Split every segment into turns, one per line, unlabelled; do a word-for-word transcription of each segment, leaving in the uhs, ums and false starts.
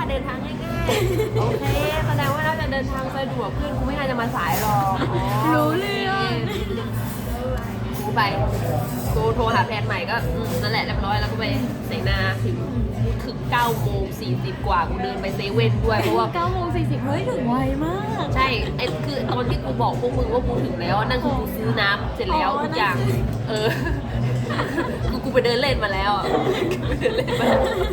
เดินทางง่ายๆโอเคแสดงว่าเราจะเดินทางสะดวกเพื่อนกูไม่น่าจะมาสายหรอก
รู้เรื่อง
กูไปกูโทรหาแฟนใหม่ก็นั่นแหละเรียบร้อยแล้วก็ไปไหนนาถึงถึงเก้าโมงสี่สิบกว่ากูเดินไปเซเว่นด้วยเพราะว่า
เก้าโมงสี่สิบเฮ้ยถึงไวมาก
ใช่ไอ้คือตอนที่กูบอกพวกมึงว่ากูถึงแล้วนั่นคือกูซื้อน้ำเสร็จแล้วทุกอย่างเออกูกูไปเดินเล่นมาแล้วอ่ะกูไปเดินเล่นมา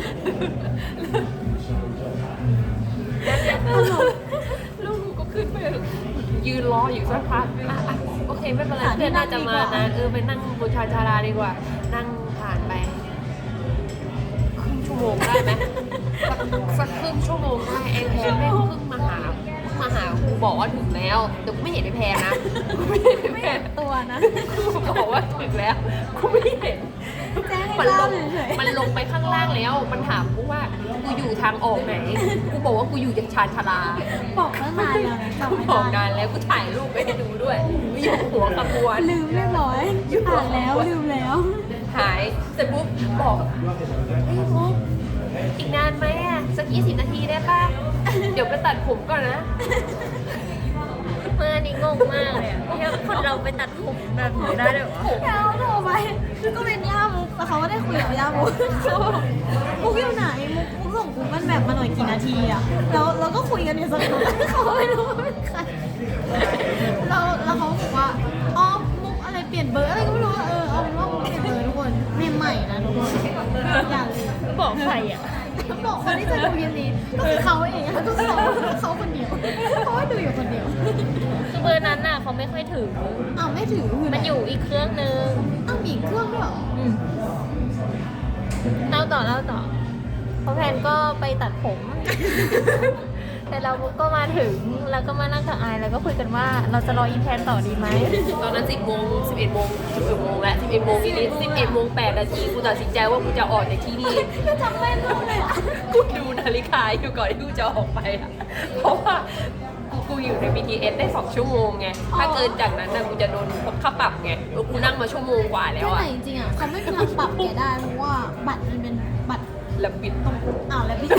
ลูกกูก็ขึ้นไปยืนรออยู่สักพักโอเคไม่เป็นไรเพื่อนน่าจะมานะเออไปนั่งบนชานชาลาดีกว่านั่งผ่านไปครึ่งชั่วโมงได้ไหมสักครึ่งชั่วโมงได้ไอ้แพนแม่งเพิ่งมาหามาหากูบอกว่าถึงแล้วแต่กูไม่เห็นไอ้แพนนะกูไม่เห็นไอ้แพน
ตัวนะ
กูบอกว่าถึงแล้วกูไม่เห็นมันลงมันลงไปข้างล่างแล้วมันถามกูว่ากูอยู่ทางออกไหนกูบอกว่ากูอยู่จากชานชาลา
บอกตั้งนานแล้วนะ
กูบอกนานแล้วกูถ่ายรูปไปให้ดูด้วยกูอยู่หัวขบวน
ลืมเรียบร้อยผ่านแล้วลืมแล้ว
หายเสร็จปุ๊บบอกเฮ้ยปุ๊บอีกนานไหมอ่ะสักยี่สิบนาทีได้ป่ะเดี๋ยวไปตัดผมก่อนนะ
เมื่อนี้งงมากเลยที่คนเราไปตัดผมแบบนี้ได้ด้วยวะ
แล้วโทรไปก็เป็นย่ามุกแต่เขาไม่ได้คุยกับย่ามุกมุกอยู่ไหนมุกมุกส่งกูมันแบบมาหน่อยกี่นาทีอ่ะแล้วเราก็คุยกันอยู่สักพักเขาไม่รู้ว่าเป็นใครเราแล้วเขาบอกว่าอ๋อมุกอะไรเปลี่ยนเบอร์อะไรก็ไม่รู้เออเอาเป็นว่ามุกเปลี่ยนเบอร์ทุกคนไม่ใหม่นะทุกคนอย่าเลย
บอกใครอ่ะ
บอกคนที่จะดูเย็นนี้ก็คือเขาเองก็คือเขาเขาคนเดียวเพราะว่าดูอยู่คนเดียว
คือเบอร์นั้นน่ะเขาไม่ค่อยถือ
อ้าวไม่ถือ
มันอยู่อีกเครื่องนึง
อ้าวมีอีกเครื่องด้วยเหรอ
เล่าต่อเล่าต่อเพราะแพนก็ไปตัดผมแต่เราก็มาถึงแล้วก็มานั่งกับไอแล้วก็คุยกันว่าเราจะรออีแพนต่อดีไหม
ตอนนั้นสิบโมงสิบเอ็ดโมงสิบเอ็ดโมงแล้วสิบเอ็ดโมงนิดสิบเอ็ดโมงแปดนาทีกูตัดสินใจว่ากูจะออกจากที่นี่
ก็จำไม่ได้เลยอ่ะ
กูดูนาฬิกาอยู่ก่อนที่กูจะออกไปอ่ะเพราะว่ากูกูอยู่ใน บี ที เอส ได้สองชั่วโมงไงถ้าเกินจากนั้นนะกูจะโดนค่าปรับไงกูนั่งมาชั่วโมงกว่าแล้วอ่ะ
จริงๆอ่ะเขาไม่มีทางปรับแกได้เพราะว่าบัตรมันเป็นบัตร
แล้วบิดต้อง
อ้าวแล้วบิด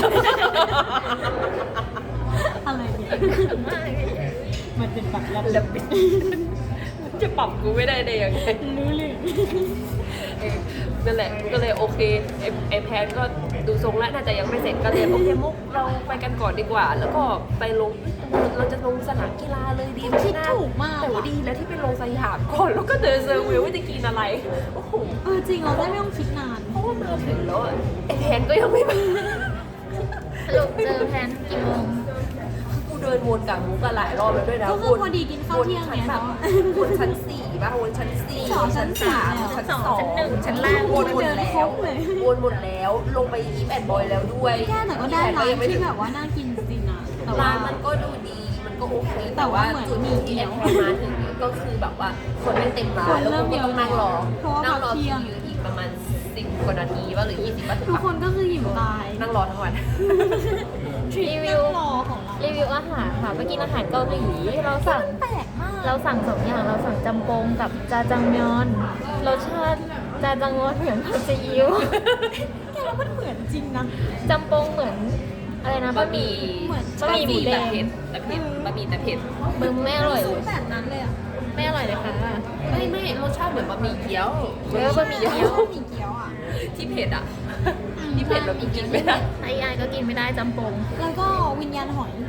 อะไรเนี่ยมันเป็นบัตร
แล้วบิดจะปรับกูไม่ได้ได้ยังไง
รู้เลย
นั่นแหละก็เลยโอเคไอไอแพนก็ดูทรงแล้วน่าจะยังไม่เสร็จก็เลยโอเคมุกเราไปกันก่อนดีกว่าแล้วก็ไปลงเราจะลงสนามกีฬาเลยดีไหมนะ
คิดถูกมาก
แต่ว่าดีแล้วที่ไปลงสยามก่อนแล้วก็เดินเซอร์วิวว่าจะกินอะไรโอ้โห
เออจริงเราได้ไม่ต้องคิดนาน
เพราะว่ามาถึงแล้วไอแพนก็ยังไม่มา
สรุปเจอแพนกี่โมง
กูเดินวนกับมุกกันหลายรอบแล้วด้วยนะ
ก็คือพอดีกินข้าวเที่ยง
เนี่ยวนชั้นสี่ป่ะวนชั้นสี่ชั้นสามชั้นสองชั้นหนึ่งชั้นล่างวนหมดแล้ววนหมดแล้วลงไปอีฟแอนด์บอยแล้วด้วย
แค่แต่ก็ได้ร้านที่แบบว่าน่ากินจริงนะ
ร้านมันก็ดูดีมันก็โอเคแต่ว่าจุดที่แอนด์มาถึงก็คือแบบว่าคนไม่เต็มร้านแล้วก็ต้องนั่งรอนั่งรอคิวอยู่อีกประมาณสิบกว่านาทีว่าหรือยี่สิบว่าถึง
ทุกคนก็คือหิวตาย
นั่งรอทั้งวัน
รีวิวรีวิวอาหารค่ะไปกินอาหารเกาหลีเราสั่ง
แปลกมาก
เราสั่งสองอย่างเราสั่งจำปงกับจาจังมยอนรสชาติจาจังมยอนเหมือนผัดซีอิ๊ว
แกแล้วมันเหมือนจริงนะ
จำปงเหมือนอะไรนะบะหมี่
เหมือน
บะหมี่หมูแดง
แต่เผ็ดบะหมี่แต่เผ็ด
มึงไม่อร่อยเลย
แบบนั้นเลยอ่ะ
ไม่อร่อยเลยค่ะ
ไม่ไม่รสชาติเหมือนบะหมี่เกี๊ยว
เออบะหมี่เกี๊ยว
บะหมี่เกี๊ยวอ่ะ
ที่เผ็ดอ่ะที่เผ็ดแบบกินไม่ได้
ไอ้ยายก็กินไม่ได้จำปง
แล้วก็วิญญาณหอย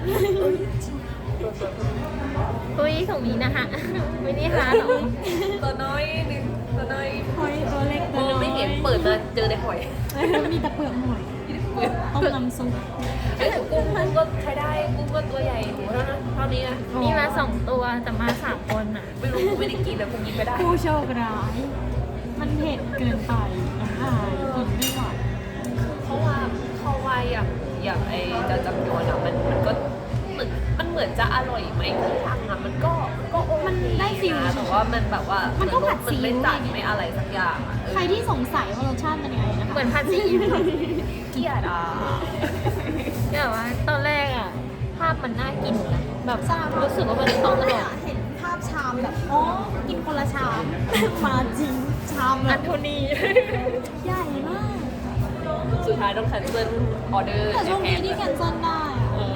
คุยตรงนี้นะคะไม่ได้หาหรอ
ตัวน้อยนึงตัวน้อย
หอยตัวเล็กตัวน้อย
ไม่เห็นเปิดมาเจอในหอย
มีแต่เปลือกหอยต้มน้ำซุป
ไอ้กุ้งมันก็ใช้ได้กุ้งก็ตัวใหญ่หมูเท่านั้นเท่านี้นะ
มีมาสองตัวแต่มาสามคนอ่ะ
ไม่รู้กูไม่ได้กินแล้วกูกินไม่ได้
ผู้โชคร้ายมันเผ็ดเกินไปน้ำลายกินไม่ไหว
เพราะว่าเข้าไวอย่างอย่างไอ้จะจำยวนอ่ะมันมันก็เหมือนมันเหมือนจะอร่อยไหมที่ทางอ่ะมันก็ก็
มันได้ฟิล
แต่ว่ามันแบบว่า
มันก็ผัดซี
อิ๊วไม่จัดไม่อะไรสักอย่าง
ใครที่สงสัยว่ารสชาติมันยังไงนะคะ
เหมือนผัดซีอิ๊ว
เกลียดอ่ะ
แบบว่าตอนแรกอ่ะภาพมันน่ากินนะแบบรู้สึกว่ามันต้องอร่อย
เห็นภาพชามแบบอ๋อกินคนละชามมาจริงชาม
อันโทนี
ใหญ่มาก
สุสุดท้ายต้องแคนเซิลออเดอร์
แต่ช่วงนี้ที่แคนเซิลได้อะ
เออ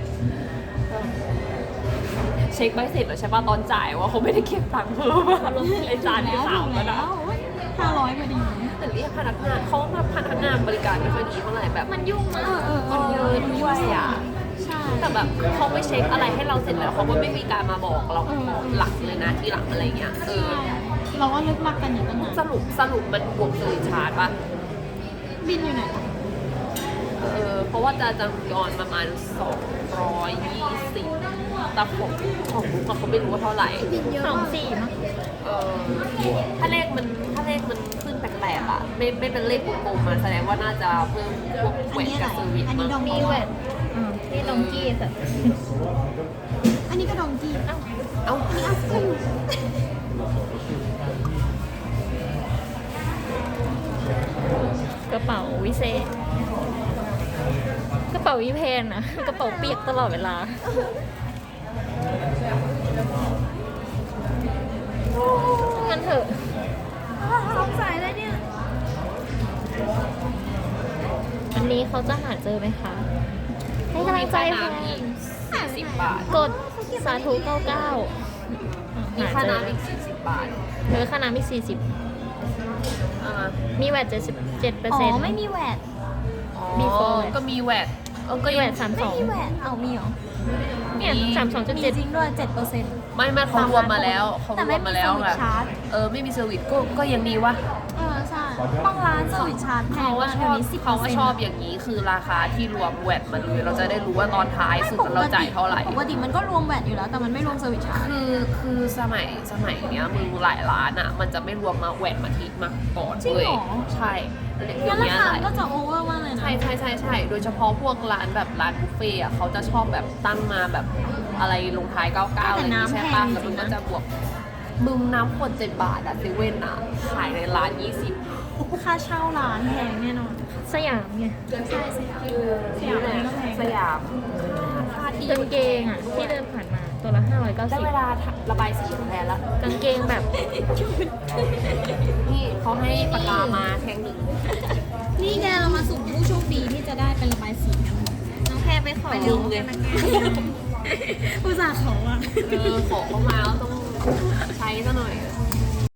เช็คใบเสร็จแล้วใช่ป่ะตอนจ่ายว่าเขาไม่ได้เก็บตังค์เพิ่มอะไอจานที่สามแล้วนะ
ห้าร้อยพอดี
แต่เรียกพนักงานเขามาพนักงานบริการไม่ค่อยดีเท่าไหร่แบบ
มันยุ่งมาก
เออเออเอ
มัน
อ
เยอะด้วยอ่ะ
ใช่
แต่แบบเขาไม่เช็คอะไรให้เราเสร็จแล้วเขาก็ไม่มีการมาบอกเราหลักเลยนะที่หลังอะไรเงี้ยเออ
เราก็ลึกลักกันอยู่ตั้งนาน
สรุปสรุปมันบวกเซอร์ชาร์จป่ะ
บินอยู่ไหน
เออเพราะว่าจะจำยอนประมาณสองร้อยยี่สิบแต่ของของบุ๊กอะเขาไม่รู้ว่าเท่าไหร่
สองสี่มั้ง
เออถ้าเลขมันถ้าเลขมันขึ้นแปลกๆอ่ะไม่ไม่เป็นเลขกลมๆมาแสดงว่าน่าจะเพิ่มพวกแหวนกับเซอร์วิส
อันนี้
มั้ง
ดอง
มี
กี้
แหวนอ่าที่ดองกี้แต่
อันนี้ก็ดองกี้
เอ้า
เอ้า
อันนี้อัฟเตอร์
กระเป๋าวิเศษ กระเป๋าวิเพนนะกระเป๋าเปียกตลอดเวลา งั้นเถอะ
สงสัยเลยเนี่ย
อันนี้เขาจะหาเจอไหมคะ ให้กำลังใจ
มี
แพ
ค่าน้ำอี
น
กสี่สิบบาท
กดสาธุเก้าเก้า
มีค่าน้ำอีกสี่สิบบาท
เออค่าน้ำอีกสี่สิบ
อ่า
มีแวดเจ็ดสิบเจ็ดเปอร์
อ๋
เซ็นต์
อไม่มีแหวน
อ๋อ
Before
ก็มีแหวนเออก็
มีแวดสามส
ไม่
อง
มีแหวนเอามีเหรอ
เนี่ยสามสองจุด
มี
เจ็ด
จริงด้วยเจ็ดเปอร์เซ็นต์
ไม่ไม่เขารวมมาแล้วเขา
แต่
ร
ไม่
วม
มี
มาแล้ว
เซอร์วิสชาร์จ
เออไม่มีเซอร์วิสก็ก็ยังดีวะ
เออใช่บางร้านเซอร์วิสชาร์จแพ
เขา
ง
ว่า
มา
ชอบ
กเดี๋ยวนี้สิบ
เขาว่าชอบอย่างนี้คือราคาที่รวมแวดมาเลยเราจะได้รู้ว่าตอนท้ายสุดเราจ่ายเท่าไหร่
ปกติมันก็รวมแหวนอยู่แล้ว แต่มันไม่รวมเซอร์วิสชาร์จ
คือคือสมัยสมัยเนี้ยมึงหลายร้านอ่ะ มันจะไม่รวมมาแหวนมาทิกมาก่อน
จริง
เล
เหร
ย
อ
ใช่เดี๋
งั้
ย
น
ว
รา
เนี้ย
คา
หลาย
ก็จะโอเวอร์มากเลยนะ
ใช่ใช่ใช่ใช่โดยเฉพาะพวกร้านแบบร้านบุฟเฟ่ต์อะเขาจะชอบแบบตั้งมาแบบอะไรลงท้ายเก้าเก้าอะไรอย่างงี้ใช่ปะแล้วมันก็จะบวกมึงน้ำขวดเจ็ดบาทอะเซเว่นอะขายในร้านยี่สิบ
ค่าเช่าร้านแพงแน่นอน
สยามไง
ใช่สยามสยามอันนี้ก็แพง
สยามราคาดี
กางเกงอ่ะ ที่เดินผ่านมาตัวละห้าร้อยเก้า
ได้
สิบ
เวลาระบายสีแทนละ
กางเกงแบบ
นี่เขาให้ปากกามาแท่งหนึ่ง
นี่แกเรามาสุ่มผู้โชคดีที่จะได้เป็นระบายสีกัน น้องแพรไปขอ
ไปลืมเลย
อุตส่าห์ขออ่ะ
เออขอเข้ามาแล้วต้องใช้ซะหน่อย